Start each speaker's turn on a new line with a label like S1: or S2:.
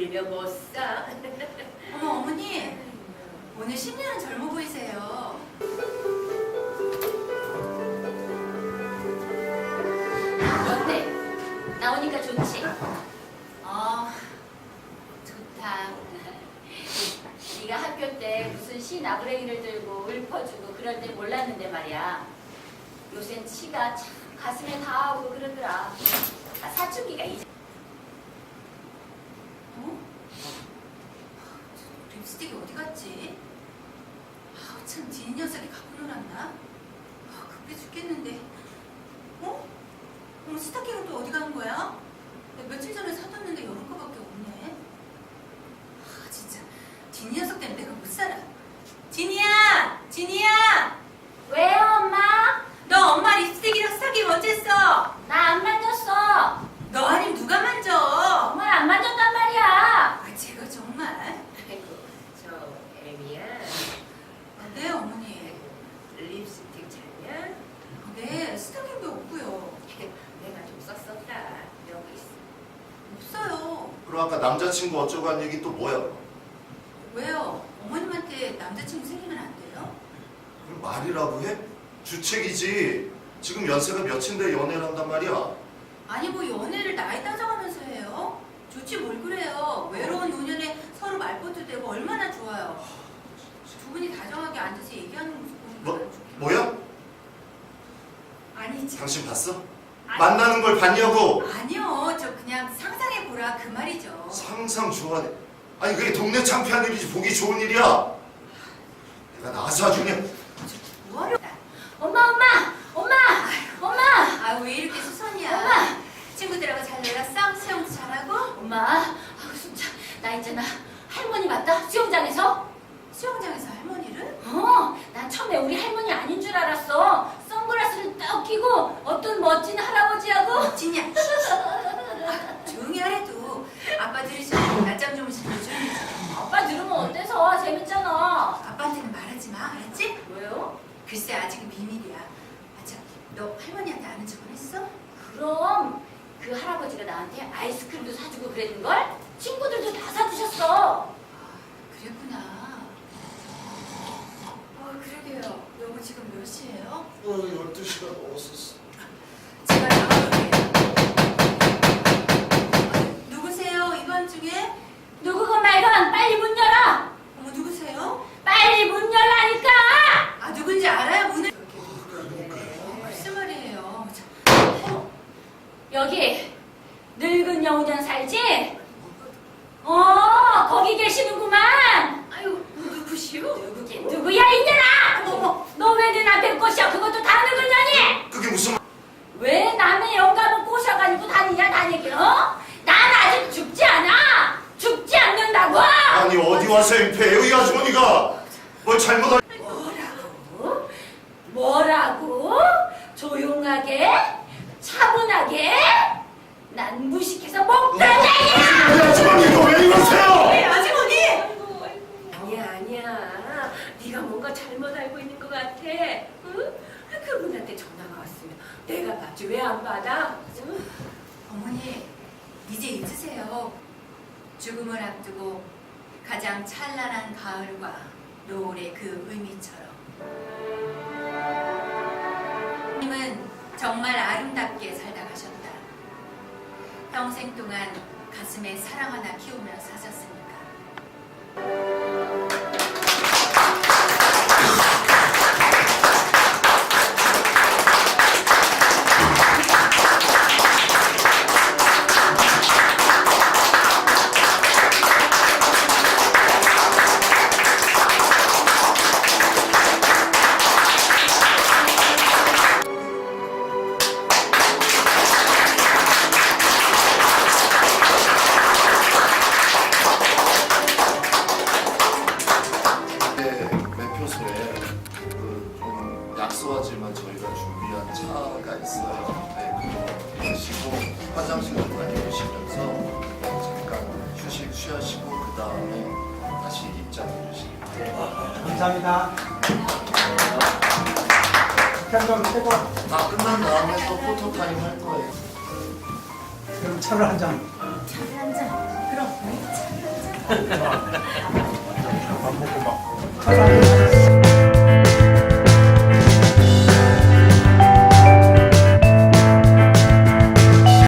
S1: 울며 못 사.
S2: 어머 어머니 오늘 10년은 젊어 보이세요.
S3: 어때? 나오니까 좋지?
S2: 좋다.
S3: 네가 학교 때 무슨 시 나부랭이를 들고 읊어주고 그럴 때 몰랐는데 말이야. 요샌 치가 참 가슴에 닿아오고 그러더라. 사춘기가 이제.
S2: 립스틱이 어디 갔지? 참 진이 녀석이 갖고 놀았나? 급해 죽겠는데. 어머 스타킹은 또 어디 간 거야? 며칠 전에 사뒀는데 여름 거밖에 없네. 진짜 진이 녀석 때문에 내가 못 살아. 진이야! 진이야!
S3: 왜요, 엄마?
S2: 너 엄마 립스틱이랑 스타킹 언제 써?
S3: 나 안 만졌어.
S2: 너 아니면 누가 만져?
S3: 정말 안 만졌단 말이야.
S2: 제가 정말.
S1: 아이고, 저 애미야.
S2: 네 어머니.
S1: 립스틱 찾냐?
S2: 네 스타킹도 없고요.
S1: 내가 좀 썼었다. 여기 있어.
S2: 없어요.
S4: 그럼 아까 남자친구 어쩌고 한 얘기 또 뭐야?
S2: 왜요? 어머님한테 남자친구 생기면 안 돼요?
S4: 그럼 말이라고 해? 주책이지. 지금 연세가 몇인데 연애를 한단 말이야.
S2: 아니 뭐 연애를 나이 따져가면서 해요? 좋지 뭘 그래요. 외로운 노년에 서로 말벗도 되고 얼마나 좋아요. 두 분이 다정하게 앉아서 얘기하는 모습 보니까
S4: 뭐야?
S2: 아니지.
S4: 당신 봤어?
S2: 아니,
S4: 만나는 걸 봤냐고?
S2: 아니요. 저 그냥 상상해보라 그 말이죠.
S4: 상상 좋아하네. 아니 그게 동네 창피한 일이지 보기 좋은 일이야. 내가 나서 아주 그냥.
S2: 뭐하려?
S3: 엄마!
S2: 왜 이렇게 수선이야?
S3: 엄마!
S2: 친구들하고 잘 놀았어? 수영도 잘하고?
S3: 엄마, 진짜 나 있잖아. 할머니 맞다? 수영장에서?
S2: 수영장에서 할머니를?
S3: 난 처음에 우리 할머니 아닌 줄 알았어. 선글라스를 딱 끼고 어떤 멋진 할아버지하고.
S2: 진이야. 조용히 하래도 아빠 들으시면 낮잠 주무시는 조용히 해.
S3: 아빠 들으면 어때서? 재밌잖아.
S2: 아빠한테는 말하지 마. 알았지?
S3: 왜요?
S2: 글쎄 아직은 비밀이야. 참, 너 할머니한테 아는 척은 했어?
S3: 그럼 그 할아버지가 나한테 아이스크림도 사주고 그랬는걸? 친구들도 다 사주셨어.
S2: 그랬구나. 그러게요. 여보 지금 몇 시예요?
S4: 12시가 넘었었어.
S2: 제가 나가볼게요. 누구세요? 이번 중에?
S3: 누구건 말건 빨리 문 열어.
S2: 어머 누구세요?
S3: 빨리 문 열라니까.
S2: 누군지 알아요? 문을. 무슨 말이에요?
S3: 여기 늙은 여우전 살지? 거기 계시는구만.
S1: 아유, 누구시오?
S3: 누구긴 누구야 이년아.
S2: 어머.
S3: 너 왜 내 남편 꼬셔? 그것도 다 늙은 년이.
S4: 그게 무슨
S3: 왜 남의 영감을 꼬셔가지고 다니냐 다니기로? 난 아직 죽지 않아. 죽지 않는다고.
S4: 아니 어디 와서 엠페예요 이 아주머니가? 뭘 잘못한?
S3: 뭐라고? 조용하게? 차분하게? 난 무식해서 못 들어.
S4: 이 아주머니 이거 왜 이러세요?
S2: 네, 아주머니!
S1: 아니야. 네가 뭔가 잘못 알고 있는 것 같아. 응? 그분한테 전화가 왔으면 내가 받지 왜 안 받아? 응?
S2: 어머니, 이제 잊으세요. 죽음을 앞두고 가장 찬란한 가을과 노을의 그 의미처럼. 님은 정말 아름답게 살다 가셨다. 평생 동안 가슴에 사랑 하나 키우며 사셨으니까.
S4: 매표소에 좀 약소하지만 저희가 준비한 차가 있어요. 네, 그거 드시고 화장실 좀 다녀오시면서 잠깐 휴식 취하시고 그 다음에 다시 입장해 주시기 바랍니다.
S5: 감사합니다. 편점 최고.
S4: 다 끝난 다음에 또 포토타임 할 거예요.
S5: 그럼 차를 한 잔.
S3: 차를 한 잔.
S2: 그럼 우리 차 한잔.
S5: 밥 먹고 막 화장실